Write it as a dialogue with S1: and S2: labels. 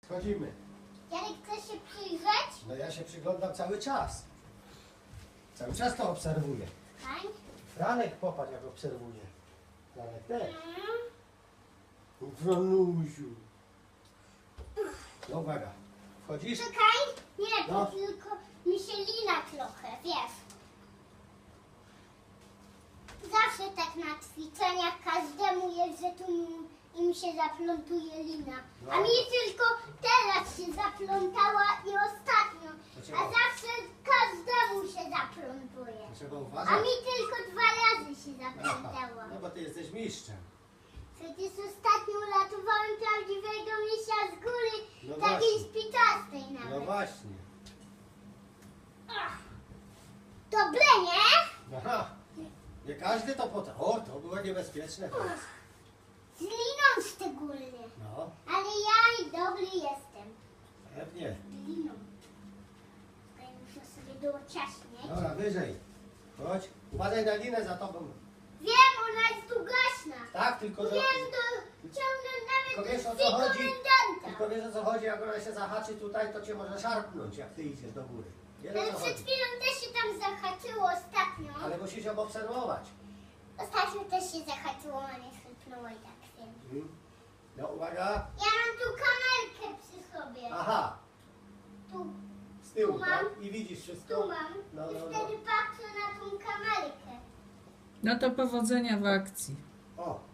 S1: Wchodzimy.
S2: Jarek, chcesz się przyjrzeć?
S1: No ja się przyglądam cały czas. Cały czas to obserwuję.
S2: Fajnie.
S1: Franek, popatrz jak obserwuje. Franek też. Franusiu. No uwaga. Wchodzisz?
S2: Czekaj. Nie,
S1: No.
S2: bo tylko mi się lina trochę, wiesz. Zawsze tak na ćwiczeniach każdemu jest, że tu im się zaplątuje lina.
S1: No.
S2: A mi tylko teraz się zaplątała i ostatnio.
S1: Dlaczego?
S2: A zawsze każdemu się zaplątuje.
S1: Trzeba
S2: A
S1: uważać.
S2: mi tylko 2 razy się
S1: Aha.
S2: zaplątała.
S1: No bo ty jesteś mistrzem.
S2: Przecież ostatnio uratowałem prawdziwego misia z góry,
S1: No
S2: takiej
S1: właśnie.
S2: spiczastej
S1: No
S2: nawet.
S1: właśnie.
S2: Dobre, nie?
S1: Aha. Nie każdy to potrafi. O, to było niebezpieczne teraz.
S2: Z liną szczególnie.
S1: No,
S2: Ale ja i dobry jestem.
S1: pewnie.
S2: Z liną. Tutaj muszę sobie dociaśnieć.
S1: Dobra, wyżej. Chodź. Uważaj na linę za tobą.
S2: Wiem, ona jest długaśna.
S1: Tak, tylko że...
S2: Wiem, to ciągnę
S1: Tylko
S2: nawet
S1: wiesz,
S2: do
S1: o co
S2: drzwi
S1: chodzi?
S2: komendanta.
S1: Tylko wiesz o co chodzi, jak ona się zahaczy tutaj, to cię może szarpnąć, jak ty idziesz do góry. Wiesz o
S2: Ale
S1: co
S2: przed
S1: chodzi.
S2: chwilą też się tam zahaczyło ostatnio.
S1: Ale musisz ją obserwować.
S2: Ostatnio też się zahaczyło, a nie chrypnęło i tak wiem.
S1: No uwaga.
S2: Ja mam tu kamerkę przy sobie.
S1: Aha,
S2: Tu,
S1: z tyłu,
S2: Tu mam.
S1: tak? I widzisz wszystko?
S2: tu mam.
S1: No,
S2: I
S1: no,
S2: wtedy patrzę na tą kamerkę.
S3: No to powodzenia w akcji.
S1: O,